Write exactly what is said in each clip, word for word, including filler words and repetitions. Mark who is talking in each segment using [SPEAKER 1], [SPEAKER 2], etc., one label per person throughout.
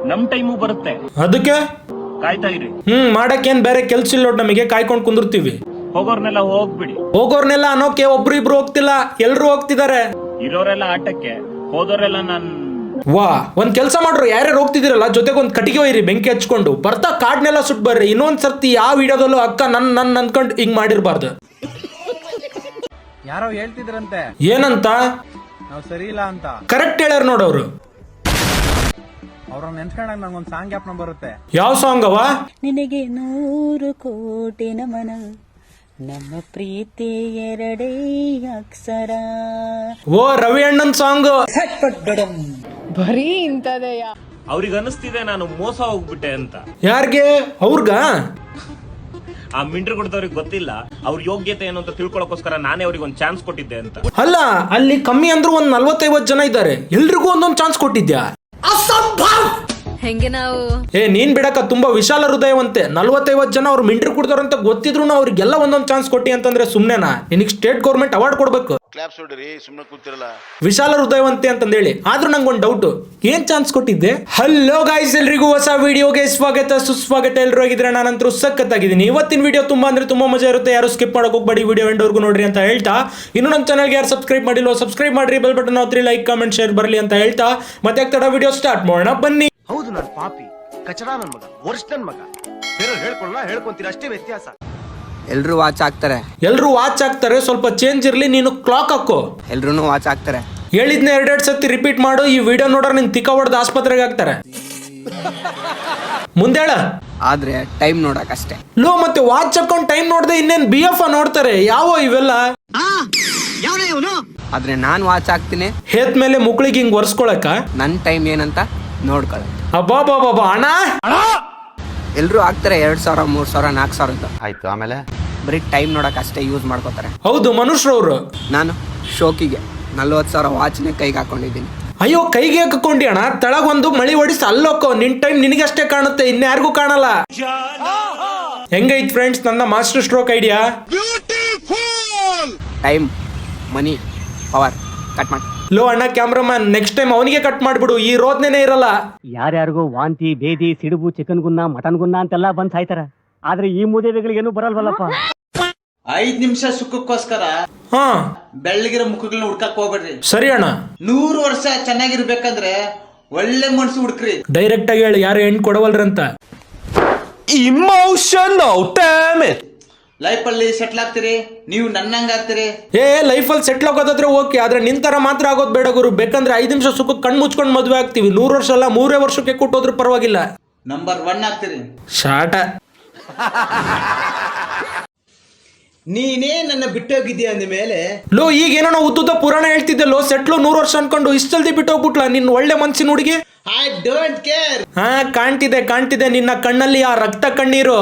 [SPEAKER 1] ನಮ್ ಟೈಮು ಬರುತ್ತೆ,
[SPEAKER 2] ಅದಕ್ಕೆ
[SPEAKER 1] ಕಾಯ್ತಾ ಇರಿ.
[SPEAKER 2] ಹ್ಮ್ ಮಾಡಕ್ಕೇನ್ ಬೇರೆ ಕೆಲ್ಸ ಇಲ್ಲ ನಮಗೆ, ಕಾಯ್ಕೊಂಡ್ ಕುಂದಿರ್ತೀವಿ.
[SPEAKER 1] ಹೋಗೋರ್ನೆಲ್ಲ ಹೋಗ್ಬಿಡಿ.
[SPEAKER 2] ಹೋಗೋರ್ನೆಲ್ಲ ಅನ್ನೋಕೆ ಒಬ್ರು ಇಬ್ರು ಹೋಗ್ತಿಲ್ಲ, ಎಲ್ರು ಹೋಗ್ತಿದಾರೆ.
[SPEAKER 1] ಇರೋರೆಲ್ಲ ಆಟಕ್ಕೆ, ಹೋದೋರೆಲ್ಲ ನಾನ್
[SPEAKER 2] ವಾ ಒಂದ್ ಕೆಲ್ಸ ಮಾಡ್ರು, ಯಾರ್ಯಾರು ಹೋಗ್ತಿದಿರಲ್ಲ ಜೊತೆಗೆ ಒಂದ್ ಕಟ್ಟಿಗೆ ಒಯ್ರಿ, ಬೆಂಕಿ ಹಚ್ಕೊಂಡು ಬರ್ತಾ ಕಾಡ್ನೆಲ್ಲ ಸುಟ್ ಬರ್ರಿ. ಇನ್ನೊಂದ್ ಸರ್ತಿ ಯಾವ ವಿಡಿಯೋದಲ್ಲೂ ಅಕ್ಕ ನನ್ ನನ್ ಅನ್ಕೊಂಡ್ ಹಿಂಗ್ ಮಾಡಿರ್ಬಾರ್ದು.
[SPEAKER 3] ಯಾರೋ ಹೇಳ್ತಿದ್ರಂತೆ
[SPEAKER 2] ಏನಂತ?
[SPEAKER 3] ನಾವ್ ಸರಿ ಇಲ್ಲ ಅಂತ.
[SPEAKER 2] ಕರೆಕ್ಟ್ ಹೇಳ್ಯಾರ ನೋಡವ್ರು.
[SPEAKER 3] ಅವ್ರನ್ನ ನೆನ್ಸ್ಕೊಂಡಾಗ ನಂಗೊಂದ್ ಸಾಂಗ್ ಜ್ಞಾಪನ ಬರುತ್ತೆ.
[SPEAKER 2] ಯಾವ ಸಾಂಗ್ ಅವ?
[SPEAKER 4] ನಿನಗೆ ನೂರು ಕೋಟಿ ನಮನ, ನಮ್ಮ ಪ್ರೀತಿ ಎರಡೇ ಅಕ್ಷರ.
[SPEAKER 2] ಓ ರವಿ ಅಣ್ಣನ್ ಸಾಂಗ್.
[SPEAKER 4] ಬರೀ ಇಂತದೆಯ.
[SPEAKER 1] ಅವ್ರಿಗೆ ಅನಿಸ್ತಿದೆ ನಾನು ಮೋಸ ಹೋಗ್ಬಿಟ್ಟೆ ಅಂತ.
[SPEAKER 2] ಯಾರ್ಗೆ? ಅವ್ರಗ?
[SPEAKER 1] ಆ ಮಿಂಟ್ರ್ ಕೊಡ್ದವ್ರಿಗೆ ಗೊತ್ತಿಲ್ಲ ಅವ್ರ ಯೋಗ್ಯತೆ ಏನು ಅಂತ ತಿಳ್ಕೊಳಕೋಸ್ಕರ ನಾನೇ ಅವ್ರಿಗೆ ಒಂದ್ ಚಾನ್ಸ್ ಕೊಟ್ಟಿದ್ದೆ ಅಂತ.
[SPEAKER 2] ಅಲ್ಲ ಅಲ್ಲಿ ಕಮ್ಮಿ ಅಂದ್ರೂ ಒಂದ್ ನಲ್ವತ್ತೈವತ್ ಜನ ಇದ್ದಾರೆ, ಎಲ್ರಿಗೂ ಒಂದೊಂದ್ ಚಾನ್ಸ್ ಕೊಟ್ಟಿದ್ಯಾ?
[SPEAKER 4] ಹೆಂಗೆ ನಾವು?
[SPEAKER 2] ಏ ನೀನ್ ಬಿಡಕ ತುಂಬಾ ವಿಶಾಲ ಹೃದಯವಂತೆ. ನಲ್ವತ್ತೈವತ್ ಜನ ಅವ್ರು ಮಿಂಟ್ರಿ ಕುಡ್ದವ್ರಂತ ಗೊತ್ತಿದ್ರು ಅವ್ರಿಗೆಲ್ಲ ಒಂದೊಂದ್ ಚಾನ್ಸ್ ಕೊಟ್ಟಿ ಅಂತಂದ್ರೆ ಸುಮ್ನೆನಾ? ನಿನಗ್ ಸ್ಟೇಟ್ ಗೌರ್ಮೆಂಟ್ ಅವಾರ್ಡ್ ಕೊಡ್ಬೇಕು.
[SPEAKER 5] ಕ್ಲಾಪ್ಸ್ ಹೊಡ್ರಿ, ಸುಮ್ಮನೆ ಕೂತಿರಲ್ಲ.
[SPEAKER 2] ವಿಶಾಲ ಹೃದಯವಂತೆ ಅಂತಂದೇಳಿ. ಆದ್ರೂ ನಂಗೊಂದು ಡೌಟ್, ಏನ್ ಚಾನ್ಸ್ ಕೊಟ್ಟಿದ್ದೆ? ಹಲೋ ಗಾಯ್ಸ್, ಎಲ್ರಿಗೂ ಹೊಸ ವಿಡಿಯೋಗೆ ಸ್ವಾಗತ ಸುಸ್ವಾಗತ. ಎಲ್ರು ಹೋಗಿದ್ರೆ ನಾನಂತರೂ ಸಖತ್ತಾಗಿದ್ದೀನಿ. ಇವತ್ತಿನ ವಿಡಿಯೋ ತುಂಬಾ ಅಂದ್ರೆ ತುಂಬಾ ಮಜಾ ಇರುತ್ತೆ, ಯಾರು ಸ್ಕಿಪ್ ಮಾಡಕ್ ಹೋಗ್ಬೇಡಿ, ವಿಡಿಯೋ ಎಂಡ್ವರೆಗೂ ನೋಡ್ರಿ ಅಂತ ಹೇಳ್ತಾ, ಇನ್ನು ನಮ್ಮ ಚಾನಲ್ಗೆ ಯಾರು ಸಬ್ಸ್ಕ್ರೈಬ್ ಮಾಡಿಲ್ವೋ ಸಬ್ಸ್ಕ್ರೈಬ್ ಮಾಡ್ರಿ, ಬೆಲ್ ಬಟನ್ ಒತ್ತಿರಿ, ಲೈಕ್ ಕಾಮೆಂಟ್ ಶೇರ್ ಬರಲಿ ಅಂತ ಹೇಳ್ತಾ ಮತ್ತೆ ತಡ ವಿಡಿಯೋ ಸ್ಟಾರ್ಟ್ ಮಾಡೋಣ ಬನ್ನಿ.
[SPEAKER 5] ಹೌದು, ನಾನು ಪಾಪಿ ಕಚಡ ನನ್ ಮಗ, ವರ್ಷ ನನ್ ಮಗ. ಬೇರೆ ಹೇಳ್ಕೊಳ್ಳ ಹೇಳ್ಕೊಂತೀರ, ಅಷ್ಟೇ ವ್ಯತ್ಯಾಸ.
[SPEAKER 6] ಎಲ್ರು ವಾಚ್ ಹಾಕ್ತಾರೆ,
[SPEAKER 2] ಎಲ್ರು ವಾಚ್ ಹಾಕ್ತಾರೆ, ಸ್ವಲ್ಪ ಚೇಂಜ್ ಇರ್ಲಿ, ನೀನು ಕ್ಲಾಕ್ ಹಾಕೋ.
[SPEAKER 6] ಎಲ್ರು ವಾಚ್ ಹಾಕ್ತಾರೆ.
[SPEAKER 2] ಹೇಳಿದ್ನ ಎರಡೆರಡು ಸತಿ ರಿಪೀಟ್ ಮಾಡು, ಈ ವಿಡಿಯೋ ನೋಡ್ರೆ ನಿನ್ ತಿಕ್ಕ ಹೊಡೆದು ಆಸ್ಪತ್ರೆಗೆ ಹಾಕ್ತಾರೆ. ಮುಂದೇಳ
[SPEAKER 6] ಆದ್ರೆ ಟೈಮ್ ನೋಡಕ್ ಅಷ್ಟೇ.
[SPEAKER 2] ಲೋ ಮತ್ತೆ ವಾಚ್ ಹಾಕೊಂಡ್ ಟೈಮ್ ನೋಡ್ದೆ ಇನ್ನೇನ್ ಬಿ ಎಫ್ ನೋಡ್ತಾರೆ? ಯಾವ ಇವೆಲ್ಲ?
[SPEAKER 6] ಆದ್ರೆ ನಾನ್ ವಾಚ್ ಹಾಕ್ತೀನಿ,
[SPEAKER 2] ಹೇತ್ ಮೇಲೆ ಮುಕ್ಳಿಗೆ ಹಿಂಗ್ ಒರ್ಸ್ಕೊಳಕ.
[SPEAKER 6] ನನ್ ಟೈಮ್ ಏನಂತ ನೋಡ್ಕೊಳ.
[SPEAKER 2] ಅಬ್ಬಾ ಬಾಬಾ ಬಾ ಅಣ್ಣ,
[SPEAKER 6] ಎಲ್ರು ಹಾಕ್ತಾರೆ ಎರಡ್ ಸಾವಿರ ಮೂರ್ ಸಾವಿರ ನಾಲ್ಕು ಸಾವಿರ ಅಂತ.
[SPEAKER 5] ಆಯ್ತು, ಆಮೇಲೆ
[SPEAKER 6] ಬರೀ ಟೈಮ್ ನೋಡಕ್ ಅಷ್ಟೇ ಯೂಸ್ ಮಾಡ್ಕೋತಾರೆ.
[SPEAKER 2] ಹೌದು ಮನುಷ್ಯರವ್ರು.
[SPEAKER 6] ನಾನು ಶೋಕಿಗೆ ನಲ್ವತ್ ಸಾವಿರ ವಾಚ್ನೆ ಕೈಗೆ ಹಾಕೊಂಡಿದ್ದೀನಿ.
[SPEAKER 2] ಅಯ್ಯೋ ಕೈಗೆ ಹಾಕೊಂಡಿ ಅಣ್ಣ, ತೆಳಗ್ ಒಂದು ಮಳಿ ಹೊಡಿಸಿ ಅಲ್ಲೋಕೋ, ನಿನ್ ಟೈಮ್ ನಿನಗಷ್ಟೇ ಕಾಣುತ್ತೆ, ಇನ್ಯಾರಿಗೂ ಕಾಣಲ್ಲ. ಹೆಂಗೈತ್ ಫ್ರೆಂಡ್ಸ್ ನನ್ನ master stroke idea?
[SPEAKER 6] Time, money, power cut ಮಾಡಿ.
[SPEAKER 2] ಲೋ ಅಣ್ಣ ಕ್ಯಾಮ್ರಾಮನ್, ನೆಕ್ಸ್ಟ್ ಟೈಮ್ ಅವನಿಗೆ ಕಟ್ ಮಾಡ್ಬಿಡು, ಈ ರೋದ್ನೇನೆ ಇರಲ್ಲ.
[SPEAKER 7] ಯಾರ್ಯಾರಿಗೂ ವಾಂತಿ ಬೇದಿ ಸಿಡುಬು ಚಿಕನ್ ಗುನ್ನ ಮಟನ್ ಗುನ್ನ ಅಂತೆಲ್ಲ ಬಂದ್ ಸಾಯ್ತಾರ, ಆದ್ರೆ ಈ ಮೂದೇವಿಗಳಿಗೇನು ಬರಲ್ವಲ್ಲಪ್ಪ.
[SPEAKER 8] ಐದ್ ನಿಮಿಷ ಸುಖಕ್ಕೋಸ್ಕರ
[SPEAKER 2] ಹಾ
[SPEAKER 8] ಬೆಳ್ಳಗಿರೋ ಮುಖಗಳನ್ನ ಹುಡ್ಕಕ್ ಹೋಗ್ಬೇಡ್ರಿ.
[SPEAKER 2] ಸರಿ ಅಣ್ಣ.
[SPEAKER 8] ನೂರು ವರ್ಷ ಚೆನ್ನಾಗಿರ್ಬೇಕಂದ್ರೆ ಒಳ್ಳೆ ಮನ್ಸು ಹುಡ್ಕ್ರಿ.
[SPEAKER 2] ಡೈರೆಕ್ಟ್ ಆಗಿ ಹೇಳಿ, ಯಾರು ಹೆಣ್ ಕೊಡವಲ್ರಂತ.
[SPEAKER 1] Emotional damage.
[SPEAKER 8] ಲೈಫ್ ಅಲ್ಲಿ ಸೆಟ್ಲ್ ಆಗ್ತೀರಿ, ನೀವು ನನ್ನಂಗ ಆಗ್ತೀರಿ.
[SPEAKER 2] ಏ ಲೈಫ್ ಅಲ್ಲಿ ಸೆಟ್ಲ್ ಆಗೋದಾದ್ರೆ ಓಕೆ, ಆದ್ರೆ ನಿಂತರ ಮಾತ್ರ ಆಗೋದ್ ಬೇಡ ಗುರು. ಬೇಕಂದ್ರೆ ಐದ್ ನಿಮಿಷ ಸುಖ ಕಣ್ ಮುಚ್ಕೊಂಡ್ ಮದ್ವೆ ಆಗ್ತೀವಿ. ನೂರು ವರ್ಷ ಅಲ್ಲ ಮೂರೇ ವರ್ಷಕ್ಕೆ ಕೊಟ್ಟೋದ್ರೂ ಪರವಾಗಿಲ್ಲ.
[SPEAKER 8] ನಂಬರ್ ಒನ್ ಆಗ್ತೀರಿ.
[SPEAKER 2] ಶಾಟ.
[SPEAKER 8] ನೀನೇ ನನ್ನ ಬಿಟ್ಟೋಗಿದ್ದೀಯ ಅಂದ ಮೇಲೆ
[SPEAKER 2] ಲೋ ಈಗ ಏನೋ ಉದ್ದುದ್ದ ಪುರಾಣ ಹೇಳ್ತಿದ್ದೆ ಲೋ, ಸೆಟ್ಲು ನೂರು ವರ್ಷ ಅನ್ಕೊಂಡು ಇಷ್ಟ ಜಲ್ದಿ ಬಿಟ್ಟೋಗ್ಬಿಟ್ಲಾ ನಿನ್ ಒಳ್ಳೆ ಮನ್ಸಿನ ಹುಡುಗಿ?
[SPEAKER 8] I don't care.
[SPEAKER 2] ಹಾ ಕಾಣ್ತಿದೆ ಕಾಣ್ತಿದೆ ನಿನ್ನ ಕಣ್ಣಲ್ಲಿ ಆ ರಕ್ತ ಕಣ್ಣೀರು.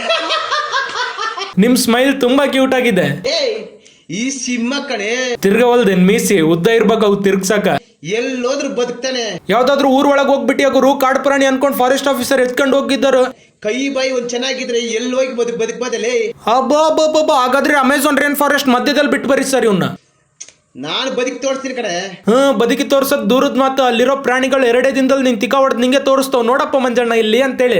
[SPEAKER 2] ನಿಮ್ ಸ್ಮೈಲ್ ತುಂಬಾ ಕ್ಯೂಟ್ ಆಗಿದೆ.
[SPEAKER 8] ಈ ಸಿಂಹ ಕಣೆ,
[SPEAKER 2] ತಿರ್ಗವಲ್ದೇನ್ ಮೀಸಿ ಉದ್ದ ಇರ್ಬೇಕು ಅವು ತಿರ್ಗ್ಸಾಕ.
[SPEAKER 8] ಎಲ್ಲೋದ್ರು ಬದುಕ್ತಾನೆ.
[SPEAKER 2] ಯಾವ್ದಾದ್ರು ಊರ್ ಒಳಗ್ ಹೋಗ್ಬಿಟ್ಟಿ ಗುರು, ಕಾಡು ಪ್ರಾಣಿ ಅನ್ಕೊಂಡ್ ಫಾರೆಸ್ಟ್ ಆಫೀಸರ್ ಎತ್ಕೊಂಡು ಹೋಗಿದ್ದರು.
[SPEAKER 8] ಕೈ ಬಾಯಿ ಒಂದ್ ಚೆನ್ನಾಗಿದ್ರೆ ಎಲ್ಲಿ ಹೋಗಿ ಬದುಕ್ ಬದುಕ್ಬೋದಲ್ಲೇ.
[SPEAKER 2] ಅಬ್ಬಾ, ಹಾಗಾದ್ರೆ ಅಮೆಝಾನ್ ರೇನ್ ಫಾರೆಸ್ಟ್ ಮಧ್ಯದಲ್ಲಿ ಬಿಟ್ಟು ಬರೀ ಸರ್ ಇವ್ನ.
[SPEAKER 8] ನಾನು ಬದುಕಿ ತೋರಿಸ್ತೀನಿ ಕಡೆ.
[SPEAKER 2] ಹ್ಮ್ ಬದುಕಿ ತೋರ್ಸದ್ ದೂರದ ಮಾತು, ಅಲ್ಲಿರೋ ಪ್ರಾಣಿಗಳು ಎರಡೇ ದಿನದಲ್ಲಿ ನಿನ್ ತಿಕ್ಕ ಹೊಡೆದ್ ನಿಂಗೆ ತೋರಿಸ್ತಾವ್, ನೋಡಪ್ಪ ಮಂಜಣ್ಣ ಇಲ್ಲಿ ಅಂತೇಳಿ.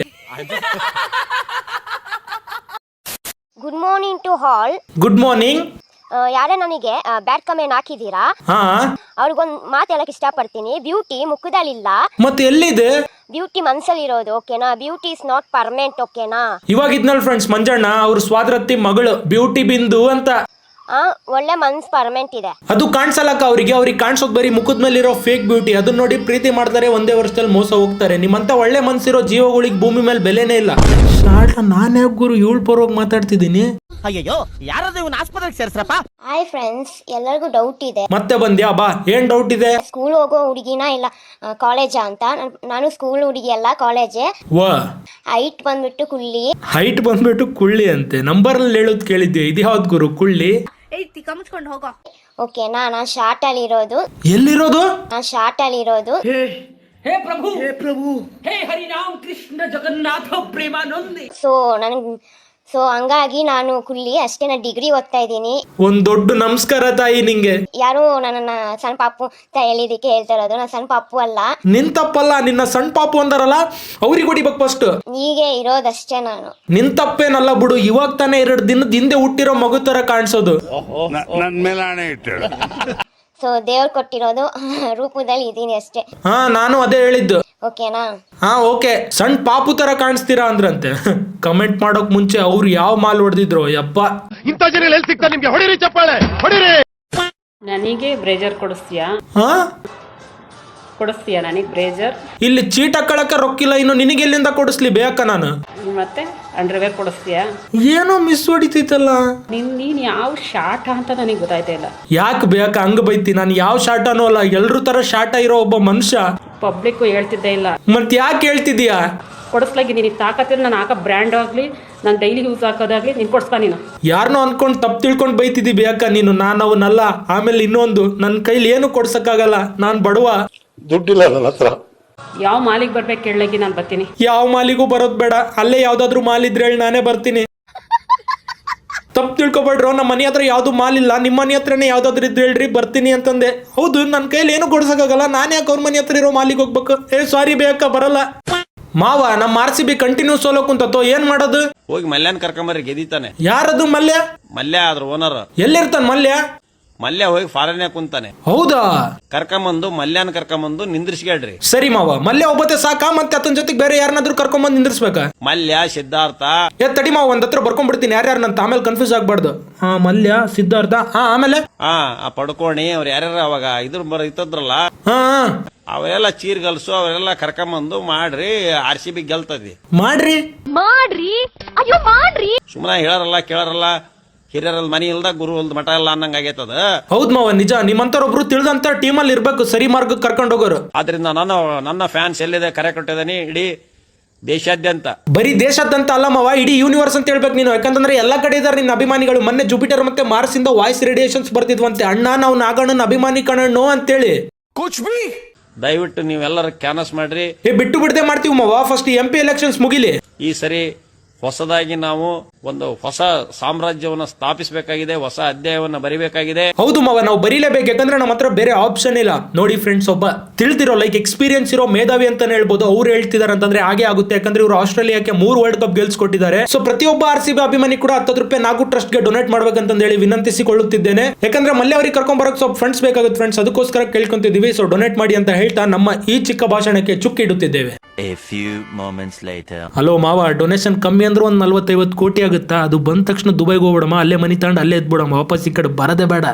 [SPEAKER 9] Good morning to all.
[SPEAKER 2] Good morning.
[SPEAKER 9] ಯಾರೇ ನನಗೆ ಬ್ಯಾಡ್ ಕಮೆಂಟ್ ಹಾಕಿದೀರಾ,
[SPEAKER 2] ಹಾ
[SPEAKER 9] ಅವ್ರಿಗೊಂದ್ ಮಾತು ಹೇಳಕ್ ಇಷ್ಟಪಡ್ತೀನಿ. ಬ್ಯೂಟಿ ಮುಖದಲ್ಲಿಲ್ಲ,
[SPEAKER 2] ಮತ್ತೆ ಎಲ್ಲಿದೆ?
[SPEAKER 9] ಬ್ಯೂಟಿ ಮನ್ಸಲ್ಲಿರೋದು, ಓಕೆನಾ? ಬ್ಯೂಟಿ ಇಸ್ ನಾಟ್ ಪರ್ಮನೆಂಟ್, ಓಕೆನಾ?
[SPEAKER 2] ಇವಾಗ ಇದ್ನಲ್ ಫ್ರೆಂಡ್ಸ್ ಮಂಜಣ್ಣ, ಅವ್ರ ಸ್ವಾದ್ರತ್ತಿ ಮಗಳು ಬ್ಯೂಟಿ ಬಿಂದು ಅಂತ.
[SPEAKER 9] ಆ ಒಳ್ಳೆ ಮನ್ಸ್ ಪರ್ಮನೆಂಟ್ ಇದೆ.
[SPEAKER 2] ಅದು ಕಾಣಿಸಲ್ಲಕ್ಕ ಅವ್ರಿಗೆ, ಅವ್ರಿಗೆ ಕಾಣಿಸೋದ್ ಬರೀ ಮುಖದ ಮೇಲಿರೋ ಫೇಕ್ ಬ್ಯೂಟಿ. ಅದನ್ನ ನೋಡಿ ಪ್ರೀತಿ ಮಾಡ್ತಾರೆ, ಒಂದೇ ವರ್ಷದಲ್ಲಿ ಮೋಸ ಹೋಗ್ತಾರೆ. ನಿಮ್ಮಂತ ಒಳ್ಳೆ ಮನ್ಸಿರೋ ಜೀವಗಳಿಗೆ ಭೂಮಿ ಮೇಲೆ ಬೆಲೆನೇ ಇಲ್ಲ. ನಾನೇ ಗುರು ಇವಳು ಪರವಾಗಿ ಮಾತಾಡ್ತಿದ್ದೀನಿ.
[SPEAKER 7] ಅಯ್ಯೋ ಯಾರಾದ್ರೂ ಇವನ್ ಆಸ್ಪತ್ರೆಗೆ ಸೇರ್ಸ್ರಪ್ಪ.
[SPEAKER 9] ಹಾಯ್ ಫ್ರೆಂಡ್ಸ್, ಎಲ್ಲರಿಗೂ ಡೌಟ್ ಇದೆ.
[SPEAKER 2] ಮತ್ತೆ ಬಂದ್ಯಾ ಬಾ, ಏನ್ ಡೌಟ್ ಇದೆ?
[SPEAKER 9] ಸ್ಕೂಲ್ ಹೋಗೋ ಹುಡುಗಿನ ಇಲ್ಲ ಕಾಲೇಜಾ ಅಂತ. ನಾನು ಸ್ಕೂಲ್ ಹುಡುಗಿ ಅಲ್ಲ, ಕಾಲೇಜೇ.
[SPEAKER 2] ವಾ
[SPEAKER 9] ಹೈಟ್ ಬಂದ್ಬಿಟ್ಟು ಕುಳ್ಳಿ.
[SPEAKER 2] ಹೈಟ್ ಬಂದ್ಬಿಟ್ಟು ಕುಳ್ಳಿ ಅಂತೆ. ನಂಬರ್ ಅಲ್ಲಿ ಹೇಳೋದ್ ಕೇಳಿದ್ದೆ, ಇದು ಯಾವ್ದು ಗುರು ಕುಳ್ಳಿ?
[SPEAKER 9] ಹೋಗೋ ಓಕೆನಾ? ನಾನ್ ಶಾರ್ಟ್ ಅಲ್ಲಿ ಇರೋದು.
[SPEAKER 2] ಎಲ್ಲಿರೋದು?
[SPEAKER 9] ನಾನ್ ಶಾರ್ಟ್ ಅಲ್ಲಿ ಇರೋದು.
[SPEAKER 7] ಹೇ ಪ್ರಭು, ಹೇ ಪ್ರಭು, ಹೇ ಹರಿನಾಮ್ ಕೃಷ್ಣ ಜಗನ್ನಾಥ ಪ್ರೇಮಾನಂದಿ.
[SPEAKER 9] ಸೊ ನನ್ಗೆ ಸೊ ಹಂಗಾಗಿ ನಾನು ಕುಲ್ಲಿ ಅಷ್ಟೇ, ನಾನು ಡಿಗ್ರಿ ಓದ್ತಾ ಇದ್ದೀನಿ.
[SPEAKER 2] ಒಂದ್ ದೊಡ್ಡ ನಮಸ್ಕಾರ ತಾಯಿ ನಿಂಗೆ.
[SPEAKER 9] ಯಾರು ನನ್ನನ್ನ ಸಣ್ಣ ಪಾಪು ಅಂತ ಹೇಳಿದಕ್ಕೆ ಹೇಳ್ತಾ ಇರೋದು, ನಾನು ಸಣ್ಣ ಪಾಪು ಅಲ್ಲ.
[SPEAKER 2] ನಿನ್ ತಪ್ಪಲ್ಲ, ನಿನ್ನ ಸಣ್ಣ ಪಾಪು ಅಂದಾರಲ್ಲ ಅವ್ರಿಗೆ ಹೊಡಿಬೇಕು ಫಸ್ಟ್.
[SPEAKER 9] ಹೀಗೆ ಇರೋದಷ್ಟೇ ನಾನು.
[SPEAKER 2] ನಿನ್ ತಪ್ಪೇನಲ್ಲ ಬಿಡು, ಇವಾಗ ತಾನೇ ಎರಡು ದಿನದ ಹಿಂದೆ ಹುಟ್ಟಿರೋ ಮಗು ತರ ಕಾಣಿಸೋದು.
[SPEAKER 10] ನನ್ ಮೇಲೆ ಆಣೆ ಇಟ್ಟು.
[SPEAKER 9] ಸೊ ದೇವ್ರು ಕೊಟ್ಟಿರೋದು ರೂಪದಲ್ಲಿ ಇದೀನಿ ಅಷ್ಟೇ.
[SPEAKER 2] ಹಾ ನಾನು ಅದೇ ಹೇಳಿದ್ದು.
[SPEAKER 9] ಓಕೆನಾ?
[SPEAKER 2] ಹಾ ಓಕೆ. ಸಣ್ಣ ಪಾಪು ತರ ಕಾಣಿಸ್ತೀರಾ ಅಂದ್ರಂತೆ. ಕಮೆಂಟ್ ಮಾಡೋಕ್ ಮುಂಚೆ ಅವ್ರು ಯಾವ ಮಾಲ್ ಹೊಡೆದಿದ್ರು ಯಪ್ಪ.
[SPEAKER 5] ಇಂಥ ಜನ ಎಲ್ಲಿ ಸಿಗ್ತಾರೆ ನಿಮ್ಗೆ? ಹೊಡಿರಿ ಚಪ್ಪಾಳೆ ಹೊಡಿರಿ.
[SPEAKER 4] ನನಗೆ ಬ್ರೇಜರ್ ಕೊಡಿಸ್ತೀಯಾ?
[SPEAKER 2] ಹಾ
[SPEAKER 4] ಕೊಡಿಸ್ತೀಯಾ ನನಗೆ ಬ್ರೇಜರ್?
[SPEAKER 2] ಇಲ್ಲಿ ಚೀಟ ಹಾಕೊಳಕ ರೊಕ್ಕಿಲ್ಲ, ಇನ್ನು ನಿನಗೆ ಎಲ್ಲಿಂದ ಕೊಡಿಸ್ಲಿ ಬೇಕ ನಾನು?
[SPEAKER 4] ಮತ್ತೆ ಅಂಡರ್ವೇರ್ ಕೊಡಿಸ್ತೀಯಾ?
[SPEAKER 2] ಏನೋ ಮಿಸ್ ಹೊಡಿತೈತಲ್ಲ.
[SPEAKER 4] ನಿನ್ ನೀನ್ ಯಾವ ಶಾಟ ಅಂತ ನನಗೆ ಗೊತ್ತಾಯ್ತಾ ಇಲ್ಲ.
[SPEAKER 2] ಯಾಕೆ ಬೇಕ ಹಂಗ ಬೈತಿ? ನಾನು ಯಾವ ಶಾಟನೂ ಅಲ್ಲ, ಎಲ್ರು ತರ ಶಾಟ ಇರೋ ಒಬ್ಬ ಮನುಷ್ಯ.
[SPEAKER 4] ಪಬ್ಲಿಕ್ ಹೇಳ್ತಿದ್ದೆ ಇಲ್ಲ.
[SPEAKER 2] ಮತ್ ಯಾಕೆ ಹೇಳ್ತಿದೀಯಾ?
[SPEAKER 4] ಕೊಡಿಸ್ಲಾಗಿ ನಿನಗೆ ತಾಕತ್ತಿಲ್ಲ. ನಾನು ಹಾಕೋ ಬ್ರ್ಯಾಂಡ್ ಆಗಲಿ, ನಾನು ಡೈಲಿ ಯೂಸ್ ಹಾಕೋದಾಗ್ಲಿ ನೀನು ಕೊಡಿಸ್ತಾ. ನೀನು
[SPEAKER 2] ಯಾರನ್ನೋ ಅನ್ಕೊಂಡು ತಪ್ಪು ತಿಳ್ಕೊಂಡು ಬೈತಿದ್ದಿ ಬೇಕ ನೀನು. ನಾನು ಅವನಲ್ಲ. ಆಮೇಲೆ ಇನ್ನೊಂದು, ನನ್ನ ಕೈಲಿ ಏನು ಕೊಡ್ಸಕ್ಕಾಗಲ್ಲ, ನಾನ್ ಬಡವ.
[SPEAKER 10] ದುಡ್ಡಿಲ್ಲ ನನ್ನ ಹತ್ರ.
[SPEAKER 4] ಯಾವ ಮಾಲಿಗೆ ಬರ್ಬೇಕು ಕೇಳಗಿ, ನಾನು ಬರ್ತೀನಿ.
[SPEAKER 2] ಯಾವ ಮಾಲಿಗೂ ಬರೋದ್ ಬೇಡ, ಅಲ್ಲೇ ಯಾವ್ದಾದ್ರು ಮಾಲ್ ಇದ್ರೆ ಹೇಳಿ, ನಾನೇ ಬರ್ತೀನಿ. ತಪ್ಪು ತಿಳ್ಕೊಬೇಡ್ರು, ನಮ್ಮ ಮನೆ ಹತ್ರ ಯಾವ್ದು ಮಾಲ್ ಇಲ್ಲ, ನಿಮ್ಮ ಮನೆ ಹತ್ರನೇ ಯಾವ್ದಾದ್ರು ಇದ್ರೆ ಹೇಳ್ರಿ ಬರ್ತೀನಿ ಅಂತಂದೆ. ಹೌದು, ನನ್ನ ಕೈಲಿ ಏನು ಕೊಡ್ಸಕ್ಕಾಗಲ್ಲ, ನಾನು ಯಾಕೆ ಅವ್ರ ಮನೆ ಹತ್ರ ಇರೋ ಮಾಲಿಗೆ ಹೋಗ್ಬೇಕು? ಏ ಸಾರಿ ಬೇಕ ಬರಲ್ಲ. ಮಾವ, ನಮ್ಮ R C B continue solo ಕುಂತತ್ತೋ, ಏನ್ ಮಾಡೋದು?
[SPEAKER 11] ಹೋಗಿ ಮಲ್ಯನ್ ಕರ್ಕೊಂಬರ್ರಿ, ಗೆದಿತಾನೆ.
[SPEAKER 2] ಯಾರದು ಮಲ್ಯ?
[SPEAKER 11] ಮಲ್ಯ ಆದ್ರ ಓನರ್.
[SPEAKER 2] ಎಲ್ಲಿರ್ತಾನ ಮಲ್ಯ?
[SPEAKER 11] ಮಲ್ಯ ಹೋಗಿ ಫಾರಿನ್ಯಾಗ ಕುಂತಾನೆ.
[SPEAKER 2] ಹೌದಾ?
[SPEAKER 11] ಕರ್ಕೊಂಬಂದು ಮಲ್ಯಾನ್ ಕರ್ಕೊಂಬಂದು ನಿಂದ್ರಿಸ್ಗೇಳ್ರಿ.
[SPEAKER 2] ಸರಿ ಮಾವ, ಮಲ್ಯ ಒಬ್ಬತ್ತೆ ಸಾಕಾ? ಮತ್ತೆ ಆತನ ಜೊತೆಗೆ ಬೇರೆ ಯಾರನ್ನಾದ್ರೂ ಕರ್ಕೊಂಬಂದ್ ನಿಂದ್ರಿಸ್ಬೇಕಾ?
[SPEAKER 11] ಮಲ್ಯ, ಸಿದ್ಧಾರ್ಥ.
[SPEAKER 2] ಏ ತಡಿ ಮಾವ, ಒಂದ್ ಹತ್ರ ಬರ್ಕೊಂಡ್ಬಿಡ್ತೀನಿ ಯಾರ್ಯಾರನಂತ, ಆಮೇಲೆ ಕನ್ಫ್ಯೂಸ್ ಆಗ್ಬಾರ್ದು. ಹಾ, ಮಲ್ಯ, ಸಿದ್ಧಾರ್ಥ, ಹಾ ಆಮೇಲೆ
[SPEAKER 11] ಹಾ ಆ ಪಡ್ಕೋಣಿ ಅವ್ರ ಯಾರ್ಯಾರ ಅವಾಗ ಇದ್ರ ಬರ ಇತ್ತದ್ರಲ್ಲ,
[SPEAKER 2] ಹಾ
[SPEAKER 11] ಅವೆಲ್ಲ ಚೀರ್ಗಲ್ಸು ಅವರೆಲ್ಲ ಕರ್ಕೊಂಬಂದು ಮಾಡ್ರಿ, ಆರ್ ಸಿ ಬಿ ಗೆಲ್ತದಿ.
[SPEAKER 2] ಮಾಡ್ರಿ
[SPEAKER 9] ಮಾಡ್ರಿ, ಅಯ್ಯೋ ಮಾಡ್ರಿ.
[SPEAKER 11] ಸುಮ್ಮನೆ ಹೇಳಾರಲ್ಲ ಕೇಳಾರಲ್ಲ, ಹಿರಿಯರಲ್ಲಿ ಮನಿ ಇಲ್ದ ಗುರು ಇಲ್ದ ಮಠ ಇಲ್ಲ ಅನ್ನಂಗ ಆಗೈತದ.
[SPEAKER 2] ಹೌದ್ ಮಾವ, ನಿಜ. ನಿಮ್ಮಂತರೊಬ್ರು ತಿಳಿದಂತ ಟೀಮಲ್ಲಿ ಇರ್ಬೇಕು, ಸರಿ ಮಾರ್ಗಕ್ಕೆ ಕರ್ಕೊಂಡು ಹೋಗೋರು.
[SPEAKER 11] ಆದ್ರಿಂದ ನಾನು ನನ್ನ ಫ್ಯಾನ್ಸ್ ಎಲ್ಲಿದೆ ಕರೆ ಕೊಟ್ಟಿದ್ದೀನಿ ಇಡೀ ದೇಶಾದ್ಯಂತ.
[SPEAKER 2] ಬರೀ ದೇಶಾದ್ಯಂತ ಅಲ್ಲ ಮಾವ, ಇಡೀ ಯೂನಿವರ್ಸ್ ಅಂತ ಹೇಳ್ಬೇಕು ನೀನು. ಯಾಕಂತಂದ್ರೆ ಎಲ್ಲಾ ಕಡೆ ಇದಾರೆ ನಿನ್ನ ಅಭಿಮಾನಿಗಳು. ಮೊನ್ನೆ ಜುಪಿಟರ್ ಮತ್ತೆ ಮಾರ್ಸ್ ಇಂದ ವಾಯ್ಸ್ ರೇಡಿಯೇಷನ್ಸ್ ಬರ್ತಿದ್ವಂತೆ, ಅಣ್ಣ ನಾವು ನಾಗಣ್ಣನ ಅಭಿಮಾನಿ ಕಣ್ಣು ಅಂತೇಳಿ.
[SPEAKER 11] ದಯವಿಟ್ಟು ನೀವೆಲ್ಲರೂ ಕ್ಯಾನ್ವಸ್ ಮಾಡ್ರಿ.
[SPEAKER 2] ಏ ಬಿಟ್ಟು ಬಿಡದೆ ಮಾಡ್ತೀವಿ ಮಾವ, ಫಸ್ಟ್ ಎಂ ಪಿ ಎಲೆಕ್ಷನ್ಸ್ ಮುಗಿಲಿ.
[SPEAKER 11] ಈ ಸರಿ ಹೊಸದಾಗಿ ನಾವು ಒಂದು ಹೊಸ ಸಾಮ್ರಾಜ್ಯವನ್ನು ಸ್ಥಾಪಿಸಬೇಕಾಗಿದೆ, ಹೊಸ ಅಧ್ಯಾಯವನ್ನು ಬರಿಬೇಕಾಗಿದೆ.
[SPEAKER 2] ಹೌದು ಮಾವ, ನಾವು ಬರೀಲೇಬೇಕು, ಯಾಕಂದ್ರೆ ನಮ್ಮ ಹತ್ರ ಬೇರೆ ಆಪ್ಷನ್ ಇಲ್ಲ. ನೋಡಿ ಫ್ರೆಂಡ್ಸ್, ಒಬ್ಬ ತಿಳಿದಿರೋ ಲೈಕ್ ಎಕ್ಸ್ಪೀರಿಯನ್ಸ್ ಇರೋ ಮೇಧಾವಿ ಅಂತಾನೆ ಹೇಳ್ಬೋದು. ಅವ್ರು ಹೇಳ್ತಿದಾರೆ ಅಂತಂದ್ರೆ ಹಾಗೆ ಆಗುತ್ತೆ, ಯಾಕಂದ್ರೆ ಇವರು ಆಸ್ಟ್ರೇಲಿಯಾಕ್ಕೆ ಮೂರು ವರ್ಲ್ಡ್ ಕಪ್ ಗೆಲ್ಸ್ಕೊಟ್ಟಿದ್ದಾರೆ. ಸೊ ಪ್ರತಿಯೊಬ್ಬ ಆರ್ ಸಿ ಬಿ ಅಭಿಮಾನಿ ಕೂಡ ಹತ್ತು ರೂಪಾಯಿ ನಾಗು ಟ್ರಸ್ಟ್ ಗೆ ಡೊನೇಟ್ ಮಾಡ್ಬೇಕಂತ ಹೇಳಿ ವಿನಂತಿಸಿಕೊಳ್ಳುತ್ತಿದ್ದೇನೆ. ಯಾಕಂದ್ರೆ ಮಲ್ಯ ಅವರಿಗೆ ಕರ್ಕೊಂಡ್ ಬರೋಕೆ ಸ್ವಲ್ಪ ಫ್ರೆಂಡ್ಸ್ ಬೇಕಾಗುತ್ತೆ ಫ್ರೆಂಡ್ಸ್, ಅದಕ್ಕೋಸ್ಕರ ಕೇಳ್ಕೊಂತಿದೀವಿ. ಸೊ ಡೊನೇಟ್ ಮಾಡಿ ಅಂತ ಹೇಳ್ತಾ ನಮ್ಮ ಈ ಚಿಕ್ಕ ಭಾಷಣಕ್ಕೆ ಚುಕ್ಕಿಡುತ್ತಿದ್ದೇವೆ. ಹಲೋ ಮಾವ, ಡೊನೇಷನ್ ಕಮ್ಮಿ ಅಂದ್ರೆ ಒಂದ್ ನಲ್ವತ್ತೈವತ್ತು ಕೋಟಿ ಆಗುತ್ತಾ? ಅದು ಬಂದ ತಕ್ಷಣ ದುಬೈಗೆ ಹೋಗ್ಬಿಡಮ್ಮ, ಅಲ್ಲೇ ಮನಿ ತಗೊಂಡು ಅಲ್ಲೇ ಎದ್ಬಿಡಮ್ಮ, ವಾಪಸ್ ಈ ಕಡೆ ಬರದೇ ಬೇಡ.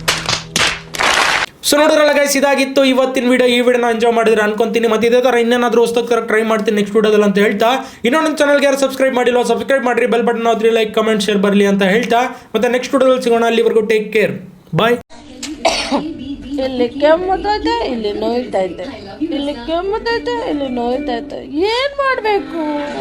[SPEAKER 2] ಸೊ ನೋಡಿರಲ್ಲ ಗೈಸ್, ಇದಾಗಿತ್ತು ಇವತ್ತಿನ ವಿಡಿಯೋ. ಈ ವಿಡಿಯೋನ ಎಂಜಾಯ್ ಮಾಡಿದ್ರೆ ಅನ್ಕೊಂತೀನಿ. ಮತ್ತೆ ಇದೇ ತರ ಇನ್ನೇನಾದ್ರೂ ಹೊಸದಾಗಿ ಟ್ರೈ ಮಾಡ್ತೀನಿ ನೆಕ್ಸ್ಟ್ ವಿಡಿಯೋದಲ್ಲಿ ಅಂತ ಹೇಳ್ತಾ, ಇನ್ನೊಂದು ಚಾನಲ್ಗೆ ಯಾರು ಸಬ್ಸ್ಕ್ರೈಬ್ ಮಾಡಿಲ್ಲ ಸಬ್ಸ್ಕ್ರೈಬ್ ಮಾಡ್ರಿ, ಬೆಲ್ ಬಟನ್ ಆದ್ರಿ, ಲೈಕ್ ಕಮೆಂಟ್ ಶೇರ್ ಬರಲಿ ಅಂತ ಹೇಳ್ತಾ, ಮತ್ತೆ ನೆಕ್ಸ್ಟ್ ವಿಡಿಯೋದಲ್ಲಿ ಸಿಗೋಣ. ಅಲ್ಲಿವರೆಗೂ ಟೇಕ್ ಕೇರ್, ಬಾಯ್.
[SPEAKER 4] ಇಲ್ಲಿ ಕೆಮ್ಮುತ್ತೈತೆ, ಇಲ್ಲಿ ನೋಯ್ತೈತೆ, ಇಲ್ಲಿ ಕೆಮ್ಮುತ್ತೈತೆ, ಇಲ್ಲಿ ನೋಯ್ತೈತೆ, ಏನ್ ಮಾಡ್ಬೇಕು?